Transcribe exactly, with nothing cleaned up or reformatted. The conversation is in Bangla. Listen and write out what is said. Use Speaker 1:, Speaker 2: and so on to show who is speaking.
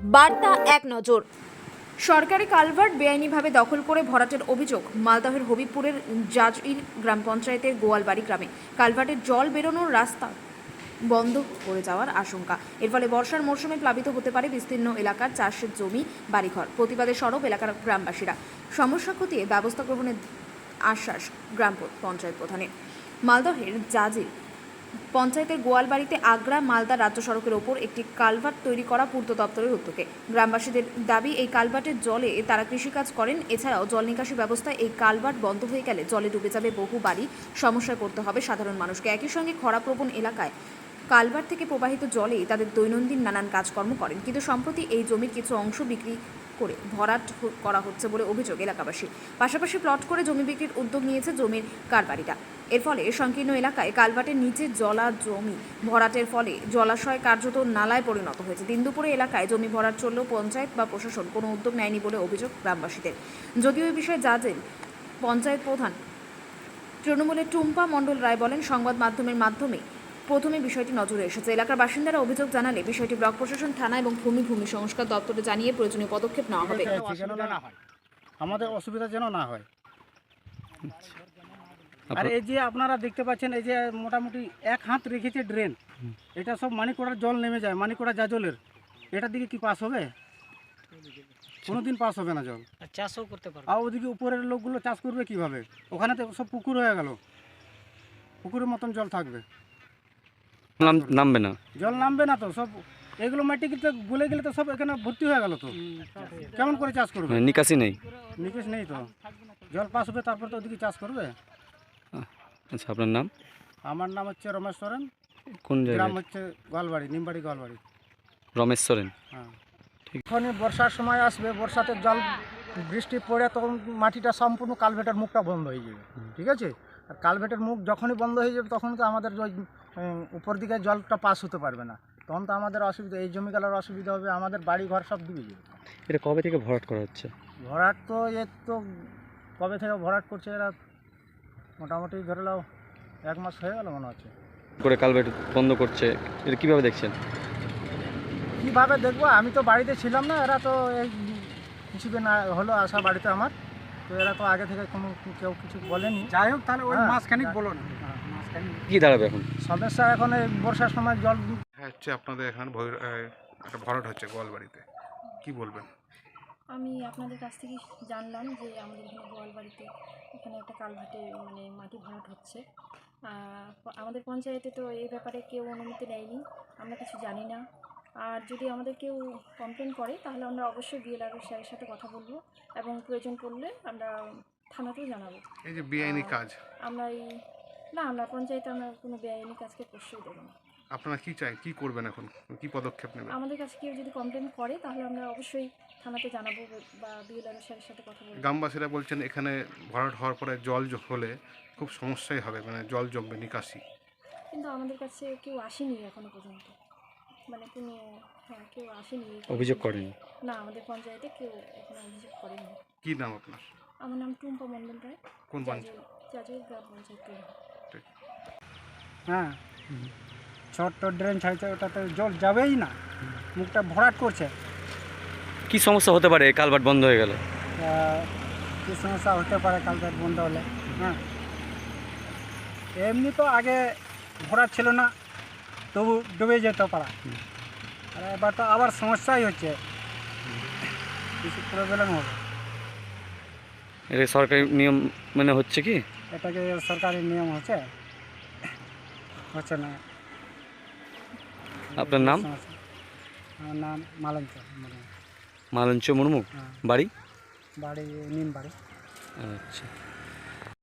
Speaker 1: বার্তা এক নজর। সরকারি কালভার্ট বেআইনিভাবে দখল করে ভরাটের অভিযোগ মালদহের হবিবপুরের জাজইর গ্রাম পঞ্চায়েতের গোয়ালবাড়ি গ্রামে। কালভার্টের জল বেরোনোর রাস্তা বন্ধ করে যাওয়ার আশঙ্কা। এর ফলে বর্ষার মরশুমে প্লাবিত হতে পারে বিস্তীর্ণ এলাকার চাষের জমি, বাড়িঘর। প্রতিবাদে সরব এলাকার গ্রামবাসীরা। সমস্যা খতিয়ে ব্যবস্থা গ্রহণের আশ্বাস গ্রাম পঞ্চায়েত প্রধানের। মালদহের জাজির পঞ্চায়েতের গোয়ালবাড়িতে আগ্রা মালদা রাজ্য সড়কের ওপর একটি কালভার্ট তৈরি করা পূর্ত দপ্তরের উদ্যোগে। গ্রামবাসীদের দাবি, এই কালভার্টের জলে তারা কৃষিকাজ করেন। এছাড়াও জল নিকাশি ব্যবস্থায় এই কালভার্ট বন্ধ হয়ে গেলে জলে ডুবে যাবে বহু বাড়ি। সমস্যায় পড়তে হবে সাধারণ মানুষকে। একই সঙ্গে খরাপ্রবণ এলাকায় কালভার্ট থেকে প্রবাহিত জলেই তাদের দৈনন্দিন নানান কাজকর্ম করেন। কিন্তু সম্প্রতি এই জমির কিছু অংশ বিক্রি করে ভরাট করা হচ্ছে বলে অভিযোগ এলাকাবাসী। পাশাপাশি প্লট করে জমি বিক্রির উদ্যোগ নিয়েছে জমির কারবারিরা। এর ফলে সংকীর্ণ এলাকায় কালভার্টের নিচে জলা জমি ভরাটের ফলে জলাশয় কার্যত নালায় পরিণত হয়েছে। দিন দুপুরে এলাকায় জমি ভরাট চললেও পঞ্চায়েত বা প্রশাসন কোনো উদ্যোগ নেয়নি বলে অভিযোগ গ্রামবাসীদের। যদিও এই বিষয়ে জাজের পঞ্চায়েত প্রধান তৃণমূলের টুম্পা মণ্ডল রায় বলেন, সংবাদ মাধ্যমের মাধ্যমে প্রথমে বিষয়টি নজরে এসেছে। এলাকার বাসিন্দারা অভিযোগ জানালে বিষয়টি ব্লক প্রশাসন, থানা এবং ভূমি ভূমি সংস্কার দপ্তরে জানিয়ে প্রয়োজনীয় পদক্ষেপ নেওয়া হবে।
Speaker 2: আমাদের অসুবিধা যেন না হয়। আর এই যে আপনারা দেখতে পাচ্ছেন, এই যে মোটামুটি এক হাত রেখেছে ড্রেন, এটা সব মানিকোড়ার জল নেমে যায়, মানিকোড়া জাজলের। এটার দিকে কি পাস হবে? কোনোদিন পাস হবে না জল।
Speaker 3: চাষও করতে পারবে।
Speaker 2: আর ওদিকে উপরের লোকগুলো চাষ করবে কিভাবে? ওখানে তো সব পুকুর হয়ে গেল, পুকুরের মতন জল থাকবে,
Speaker 4: নামবে না,
Speaker 2: জল নামবে না তো। সব এগুলো মাটি কিন্তু গলে গেলে তো সব এখানে ভর্তি হয়ে গেল, তো কেমন করে চাষ করবে?
Speaker 4: নিকাশি নেই,
Speaker 2: নিকাশ নেই তো। জল পাস হবে তারপর তো ওদিকে চাষ করবে।
Speaker 4: আচ্ছা, আপনার নাম?
Speaker 2: আমার নাম হচ্ছে রমেশ সরেন।
Speaker 4: কোন
Speaker 2: গ্রাম
Speaker 4: জায়গা?
Speaker 2: হচ্ছে গোয়ালবাড়ি, নিমবাড়ি গোয়ালবাড়ি।
Speaker 4: রমেশ সরেন।
Speaker 2: হ্যাঁ, যখনই বর্ষার সময় আসবে, বর্ষাতে জল বৃষ্টি পড়ে তখন মাটিটা সম্পূর্ণ কালভেটের মুখটা বন্ধ হয়ে যাবে, ঠিক আছে? আর কালভেটের মুখ যখনই বন্ধ হয়ে যাবে তখন তো আমাদের ওই উপর দিকে জলটা পাস হতে পারবে না, তখন তো আমাদের অসুবিধা, এই জমিগুলোর অসুবিধা হবে, আমাদের বাড়ি ঘর সব ডুবে যাবে।
Speaker 4: এটা কবে থেকে ভরাট করা হচ্ছে?
Speaker 2: ভরাট তো এর তো কবে থেকে ভরাট করছে এরা, মোটামুটি ধরে নাও এক মাস হয়ে গেল মনে হচ্ছে।
Speaker 4: করে কালভার্ট বন্ধ করছে, এটা কীভাবে দেখছেন?
Speaker 2: কীভাবে দেখবো, আমি তো বাড়িতে ছিলাম না, এরা তো এই কিছুদিন হলো আসা বাড়িতে আমার, তো এরা তো আগে থেকে কোনো কেউ কিছু বলেনি। যাই হোক, তাহলে ওই মাসখানিক বলো না,
Speaker 4: কী দাঁড়াবে এখন
Speaker 2: সমস্যা? এখন এই বর্ষার সময় জল
Speaker 5: হচ্ছে আপনাদের এখানে একটা ভরাট হচ্ছে গোয়ালবাড়িতে, কি বলবেন?
Speaker 6: আমি আপনাদের কাছ থেকে জানলাম যে আমাদের এখানে গোয়ালবাড়িতে এখানে একটা কালভার্টে মানে মাটি ভরাট হচ্ছে। আমাদের পঞ্চায়েতে তো এই ব্যাপারে কেউ অনুমতি নেয়নি, আমরা কিছু জানি না। আর যদি আমাদের কেউ কমপ্লেন করে তাহলে আমরা অবশ্যই বিএলআরও স্যারের সাথে কথা বলবো এবং প্রয়োজন পড়লে আমরা থানাতেও জানাবো।
Speaker 5: এই যে বেআইনি কাজ,
Speaker 6: আমরা এই না আমরা পঞ্চায়েতে আমরা কোনো বেআইনি কাজকে প্রশ্রয় দেবো না।
Speaker 5: আপনারা কি চাই, কি করবেন এখন, কি পদক্ষেপ নেবেন?
Speaker 6: আমাদের কাছে কেউ যদি কমপ্লেন করে তাহলে আমরা অবশ্যই থানাতে জানাবো বা বিএলআরও স্যারের সাথে কথা বলবো।
Speaker 5: গ্রামবাসীরা বলছেন এখানে ভরাট হওয়ার পরে জল হলে খুব সমস্যাই হবে, মানে জল জমবে, নিকাশি।
Speaker 6: কিন্তু আমাদের কাছে কেউ আসেনি এখনো পর্যন্ত, মানে কোনো হ্যাঁ কেউ আসেনি,
Speaker 4: অভিযোগ করেনি?
Speaker 6: না, আমাদের পঞ্চায়েতে কেউ এখনো অভিযোগ করেনি।
Speaker 5: কি নাম আপনার?
Speaker 6: আমার নাম টুম্পা মণ্ডল রায়,
Speaker 5: কোন পঞ্চায়েত?
Speaker 6: জাজের গ্রাম পঞ্চায়েত।
Speaker 2: হ্যাঁ, ছোট্ট ড্রেন ছাড়ছে, ওটাতে জল যাবেই না, মুখটা ভরাট করছে।
Speaker 4: কি সমস্যা হতে পারে কালভার্ট বন্ধ হয়ে গেলে?
Speaker 2: কী সমস্যা হতে পারে কালভার্ট বন্ধ হলে? হ্যাঁ, এমনি তো আগে ভরাট ছিল না, তবু ডুবে যেত পারা, আর এবার তো আবার সমস্যাই হচ্ছে, কিছু প্রবলেম হবে।
Speaker 4: এটা সরকারি নিয়ম মানে হচ্ছে কি?
Speaker 2: এটাকে সরকারি নিয়ম হচ্ছে হচ্ছে না।
Speaker 4: আপনার নাম?
Speaker 2: আমার নাম মালঞ্চ
Speaker 4: মালঞ্চ মুর্মু। বাড়ি?
Speaker 2: বাড়ি নিম বাড়ি।
Speaker 4: আচ্ছা।